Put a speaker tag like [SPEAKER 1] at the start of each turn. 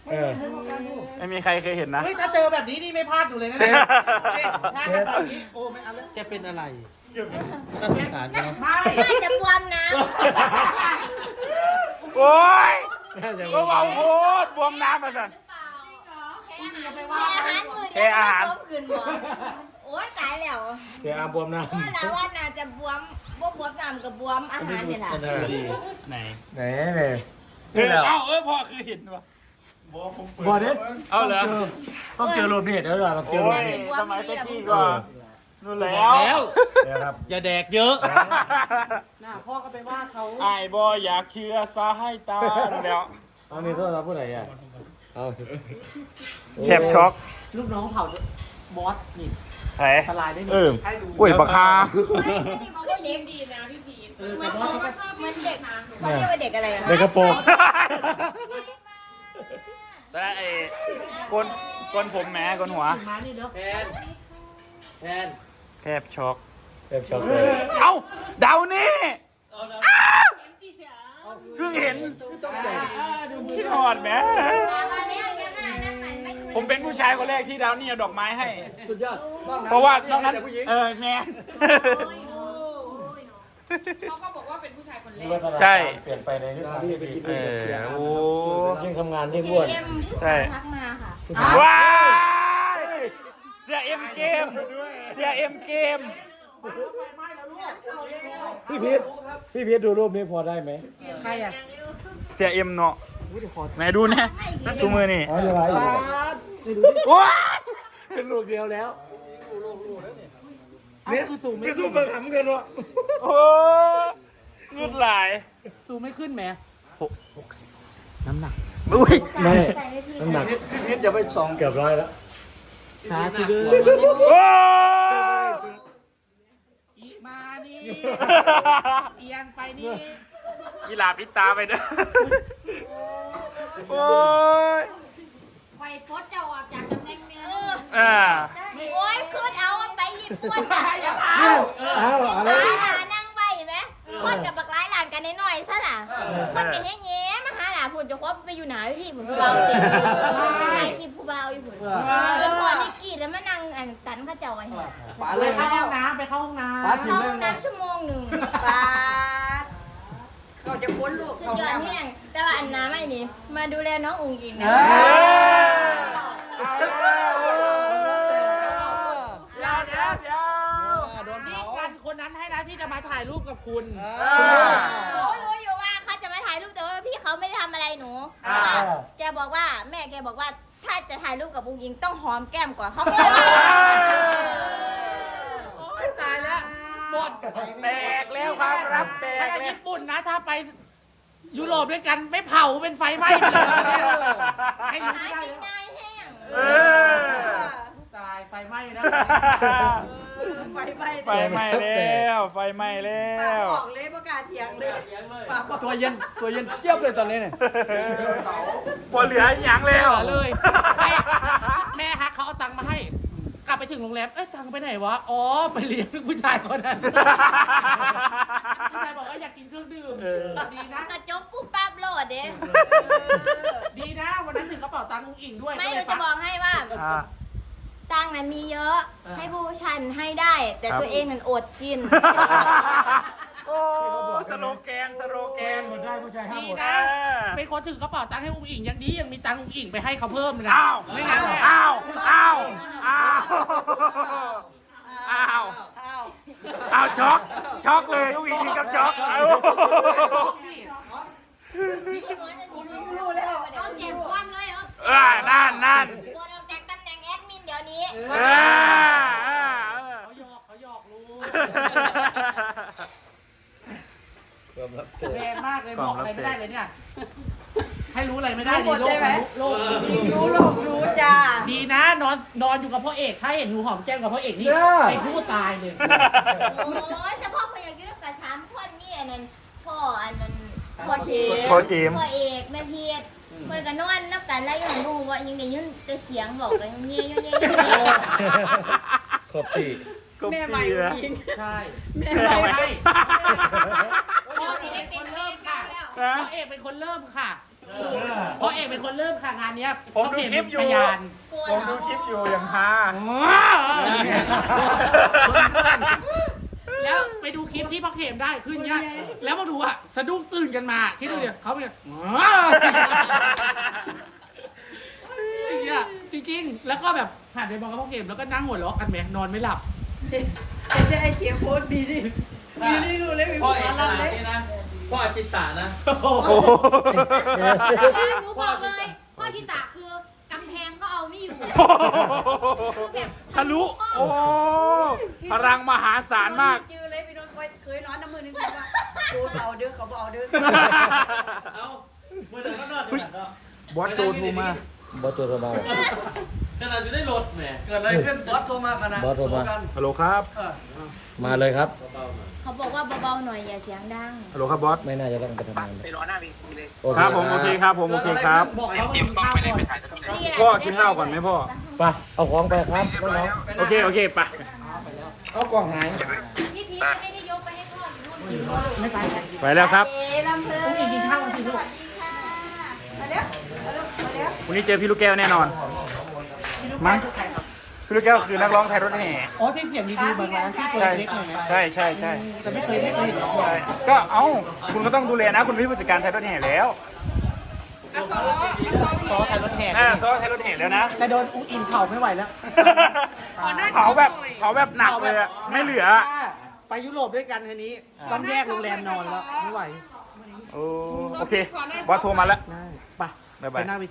[SPEAKER 1] ไม่มีใครเคยเห็นนะ
[SPEAKER 2] เฮ้ยถ้าเจอแบบนี้นี่ไม่พลาดอยู่เลยนะแบบนี้โอ้ไม่เอาแล้วแกเป็นอะไรน่าสงสารเนาะ
[SPEAKER 3] น่าจะบวมนะ
[SPEAKER 1] โอ้ยก็บอกโคตรบวมน้ำมาสั่น
[SPEAKER 3] แค่อาหารมือเดียวก็บวมขึ้นหมดโอ้ยตายแล้ว
[SPEAKER 4] เสียอาบวมน้
[SPEAKER 3] ว่าแล้วว่าน่าจะบวมบวมน้ำกับบวมอาหารเนี่ยแหละ
[SPEAKER 1] ไหน
[SPEAKER 4] ำไหนเลย
[SPEAKER 1] เอ้าพ่อคือเห็นวะ
[SPEAKER 4] บอเด็ด
[SPEAKER 1] เอาเหรอ
[SPEAKER 4] ต้องเจอรูปนี่เดี๋ยวเราต้องเจอ
[SPEAKER 1] โอ้
[SPEAKER 4] รูป
[SPEAKER 1] ย
[SPEAKER 4] นี่
[SPEAKER 1] สมัยตะกี้ก็นู่นแล้ว
[SPEAKER 4] เดี๋ยวครับ
[SPEAKER 2] อย่าแดกเยอะน่าพ่อก็ไปว่าเขา
[SPEAKER 1] ไอ้บออยากเชื่อซาให้ตาแล้ว
[SPEAKER 4] เอานี่โทษเราผู้ใดอ่ะเอา
[SPEAKER 1] แทบช็อก
[SPEAKER 2] ลูกน้องเผาบอสนี่
[SPEAKER 1] ไหน
[SPEAKER 2] ทลายได้
[SPEAKER 1] อุ้ยปากคา
[SPEAKER 3] ก็เด็กดีนะพี่พีทเหมือนเด็กเขาเรียกว่าเด็กอะไรอะ
[SPEAKER 4] ในกระโปรง
[SPEAKER 1] แต่ไอ้กนผมแหมกนหัว
[SPEAKER 2] มานี่เด้อแทน
[SPEAKER 1] แทบช็อก
[SPEAKER 4] เต็มช็อปเลย
[SPEAKER 1] เอ้าเดานี่เพิ่งเห็นคิดหอดแหมผมเป็นผู้ชายคนแรกที่ดาวนี่เอาดอกไม้ให้
[SPEAKER 4] สุดยอด
[SPEAKER 1] เพราะว่านอกนั้นแมน
[SPEAKER 5] เขาก็บอกว่าเป็นผู้ชายคนแรก
[SPEAKER 1] ใช่
[SPEAKER 4] เปลี่ยนไปในทิศทางที่ดี
[SPEAKER 1] โอ้
[SPEAKER 4] ยิ่งทำงานยิ่งอ้วน
[SPEAKER 1] ใช่
[SPEAKER 3] ทักมาค่ะ
[SPEAKER 1] ว้ายเสียเอ็มเกมเสียเอ็มเกม
[SPEAKER 4] พี่พีทดูรูปนี้พอได้ไหม
[SPEAKER 2] ใครอ่ะ
[SPEAKER 1] เสียเอ็มเนาะไหนดูนะซูมือนี่
[SPEAKER 4] อ๋อยังไงอยู่
[SPEAKER 1] ว้าย
[SPEAKER 4] เป็นลูกเดียวแล้ว
[SPEAKER 2] นี่คือสูงไม่
[SPEAKER 4] ไม่
[SPEAKER 2] ขึ้
[SPEAKER 4] สู้
[SPEAKER 2] น
[SPEAKER 4] เบิกหำกันวะ
[SPEAKER 1] โอ้เงืดหลาย
[SPEAKER 2] สูงไม่ขึ้นแหม
[SPEAKER 1] 60
[SPEAKER 2] น้ำหนัก
[SPEAKER 1] อุ้ย
[SPEAKER 4] ไม่น้ำหนักพี่พีทจะไป2เกือบ100แล้ว
[SPEAKER 2] สาธุเด้อ
[SPEAKER 1] โอ้
[SPEAKER 2] อีมานี่เอียงไปนี่
[SPEAKER 1] กีฬาปิดตาไปเด้อโอ้ย
[SPEAKER 3] ไฟฟดจะออกจากตำแหน่งเนื้อ
[SPEAKER 1] อ่า
[SPEAKER 3] โอ้ยคืนเอาไปญี่ปุ่น
[SPEAKER 4] อ้าวอะไร
[SPEAKER 3] หานั่งใบไหมคนกับบักร้ายหลานกันน้อยๆซะล่ะคนกับแง่ๆมาหาหลานผุนจะคบไปอยู่หนาพี่ผุนผู้เบาเต็มไอ้ที่ผู้เบาอยู่ผุนแล้วพอนิกกี้แล้วมานั่งอันตันข้าเจ้าไว้
[SPEAKER 2] ไปเข้าห้องน้ำไปเข้าห้องน้ำ
[SPEAKER 3] เข้าห้องน้ำชั่วโมงหนึ่งปา
[SPEAKER 5] เขาจะพ้นลูก
[SPEAKER 3] สุดยอดแห้งแต่ว่าอันน้ำไม่นี่มาดูแลน้ององค์อิงนะ
[SPEAKER 2] ยาวแล้วนี่กันคนนั้นให้นะที่จะมาถ่ายรูปกับคุณ
[SPEAKER 3] รู้อยู่ว่าเขาจะมาถ่ายรูปแต่ว่าพี่เขาไม่ได้ทำอะไรหนูแกบอกว่าแม่แกบอกว่าถ้าจะถ่ายรูปกับองค์อิงต้องหอมแก้มก่อนเขาก็เลยว่า
[SPEAKER 2] โอ้ยตายแล้วหมด
[SPEAKER 1] แตกแล้วครับรับแต
[SPEAKER 2] ข
[SPEAKER 1] ก
[SPEAKER 2] ณะ
[SPEAKER 1] แล้ว
[SPEAKER 2] ญี่ปุ่นนะถ้าไปยุโรปด้วยกันไม่เผาเป็นไฟไหม้ไปเลยเนี่ยให้รู้
[SPEAKER 3] หา
[SPEAKER 2] ไม่ได้
[SPEAKER 3] กิน
[SPEAKER 2] แล้ว
[SPEAKER 3] ง่ายแห้ง
[SPEAKER 2] ตายไฟไหม้นะ
[SPEAKER 5] ไฟไหม้
[SPEAKER 1] ไฟไหม้แล้วไฟไหม้แล้
[SPEAKER 5] ปาก
[SPEAKER 1] ว
[SPEAKER 5] ออกเลยประกาศเถียงเลยปากบอก
[SPEAKER 4] ตัวเย็นเจี๊ยบเลยตอนนี้เนี่ย
[SPEAKER 1] พอเหลือหยังแล้ว
[SPEAKER 2] เลยแม่ฮักเขาเอาตังค์มาให้ กลับไปถึงโรงแรมเอ้ยตังค์ไปไหนวะอ๋อไปเลี้ยงผู้ชายคนนั้นผู้ชายบอกว่าอยากกินเครื่องดื่มดีนะ
[SPEAKER 3] กระจกปุ๊บปั๊บโหลดเด้
[SPEAKER 2] ดีนะวันนั้นถึงกระเป๋าตังค์ลุงอิงด้วย
[SPEAKER 3] ไม่รู้จะบอกให้ว่าตังค์นั้นมีเยอะให้ผู้ชันให้ได้ แต่ตัวเองมันอดกิน
[SPEAKER 1] โอ้สโลแกน
[SPEAKER 4] หมดได้ผู้ชายห้าม
[SPEAKER 2] ดี
[SPEAKER 4] หมด
[SPEAKER 2] นะเป็นคนถือกระเป๋าตังค์ให้ลุงอิงยังดียังมีตังค์ลุงอิงไปให้เขาเพิ่มเลยนะ
[SPEAKER 1] อ้าว
[SPEAKER 2] ไม่งั้นเนี่ย
[SPEAKER 1] อ้าวอ้าวอ้าวอ้าวอ้าวช็อกเลยลูกอีกทีกับช็อกเอา
[SPEAKER 5] รู้แล้ว
[SPEAKER 3] ต้องเจ็บความเลยเหรอ
[SPEAKER 1] นั่น
[SPEAKER 3] โดนออกจากตำแหน่งแอดมินเดี๋ยวนี้
[SPEAKER 2] เขาหยอกรู้แรงมากเลยบอกอะไรไม่ได้เลยเนี่ยให้รู้อะไรไม่ได้
[SPEAKER 5] รู้หมด
[SPEAKER 2] โล
[SPEAKER 5] ใช่
[SPEAKER 2] ก
[SPEAKER 5] ไหม
[SPEAKER 2] โลก
[SPEAKER 5] รู้โลกรู้จ้า
[SPEAKER 2] ดีนะนอนอยู่กับพ่อเอกถ้าเห็นหนูหอมแก้มกับพ่อเอกนี่ไอ้ผู้ตายเลย
[SPEAKER 3] โอ้ยเฉพาะคนอยากกินกับสามคนนี่อันนั้นพ่ออันนั้นพ่อเชฟ
[SPEAKER 1] โคตรทีม
[SPEAKER 3] พ่อเอกแม่เพียรมันก็นอนนับกันแล้วยังดูว่ายังได้ยินแต่เสียงบอกกันเงี้ย
[SPEAKER 4] ขอบปี
[SPEAKER 5] แม่ใหม่ยิง
[SPEAKER 2] ใช่
[SPEAKER 5] แม่
[SPEAKER 2] ไม่
[SPEAKER 5] ใหม่
[SPEAKER 2] ใช่พ่อเอกเป็นคนเริ่มค่ะพ่อเอกเป็นคนเริ่มค่ะเพราะเอกเป็นคนเริ่มค่ะงานเนี้ย
[SPEAKER 1] ผมดูคลิปอยู่
[SPEAKER 2] พยาน
[SPEAKER 1] ผมดูคลิปอยู่อย่างฮา
[SPEAKER 2] แล้วไปดูคลิปที่พ่อเข็มได้ขึ้นเนี้ยแล้วมาดูอะสะดุ้งตื่นกันมาคิดดูดิเขาเนี่ยจริงๆแล้วก็แบบหันไปมองกับพ่อเข็มแล้วก็นั่งหัวเราะกันแหมนอนไม่หลับ
[SPEAKER 5] จะไอ้เขียวโพสต์ดีดิดีดิดูเลยมี
[SPEAKER 6] พ่อ
[SPEAKER 5] ค
[SPEAKER 6] เอก
[SPEAKER 5] วาม
[SPEAKER 6] ตา
[SPEAKER 5] รักเลย
[SPEAKER 6] นี่นะพ่ออาชิตานะ
[SPEAKER 1] โอ้โห
[SPEAKER 3] หนูบอกเลยพ่อชิตะคือกำแพงก็เอาไม่อยู่
[SPEAKER 1] ทะลุ โอ้พลังมหาศาลมาก
[SPEAKER 5] จือเลยพี่นนท์เคยนอนน้ำมือนึงว่าดูเอาเด้อเขาบอกเอาเด้อ
[SPEAKER 6] เอาเมื่อเดินก็นอนด้วยกันเนาะ
[SPEAKER 1] บอสโจโทรมา
[SPEAKER 4] บอสตัวสบาย
[SPEAKER 6] ขนาดอยู่ได้รถแหมเกิดอะไรขึ้นบอสโทรมาขนาด
[SPEAKER 4] บอสโทรมา
[SPEAKER 1] ฮัลโหลครับ
[SPEAKER 4] มาเลยครับ
[SPEAKER 3] เขาบอกว่าเบาๆหน่อยอย่าเสียงดัง
[SPEAKER 1] ฮัลโหลครับบอส
[SPEAKER 4] ไม่น่าจะต้องไปทำงานเลย
[SPEAKER 1] ครับผมโอเคครับผมโอเคครับ
[SPEAKER 2] บอกเขาว่ากินข้าวก่อน
[SPEAKER 1] พ่อกินข้าวก่อนไหมพ่อ
[SPEAKER 4] ไปเอาของไปครับน้อง
[SPEAKER 1] โอเคโอเคไป
[SPEAKER 4] ๆเอากล่องหาย
[SPEAKER 3] พี่พีไม่ได้ยกไปให้พ่ออยู่นู่น
[SPEAKER 2] ไม่ไป
[SPEAKER 1] ไปแล้วครับ
[SPEAKER 5] ลำเพลิน
[SPEAKER 2] พรุ่งนี้กินข้าวกันสิลูก
[SPEAKER 5] มาเร็วมาเร็วมาเร็ว
[SPEAKER 1] วันนี้เจอพี่ลูกแก้วแน่นอน มั้ง พี่ลูกแก้วคือนักร้องไทยรถแห่
[SPEAKER 2] อ๋อที่เสียงดีๆบางร้านที่ตัว
[SPEAKER 1] ใช่
[SPEAKER 2] เล็กหน่อยไหม
[SPEAKER 1] ใช่ใช่ใช่
[SPEAKER 2] แต่ไม่เคยเห็นน้อง
[SPEAKER 1] ใช่ก็เอ้าคุณก็ต้องดูแลนะ คุณเป็นผู้จัดการไทยรถแห่แล้ว
[SPEAKER 2] ซอไทยรถแห่
[SPEAKER 1] ซอไทยรถแห่แล้วนะ
[SPEAKER 2] แต่โดนอุ้งอินเผาไม่ไหวแล้ว
[SPEAKER 1] เผาแบบหนักเลยอะไม่เหลือ
[SPEAKER 2] ไปยุโรปด้วยกันทีนี้ต้องแยกโรงแรมนอนแล้วไม่ไหว
[SPEAKER 1] โอเค บอสโทรมาแล้ว
[SPEAKER 2] ได้ไป
[SPEAKER 1] บ๊าย
[SPEAKER 2] ไป
[SPEAKER 1] บาย
[SPEAKER 2] หน้าเว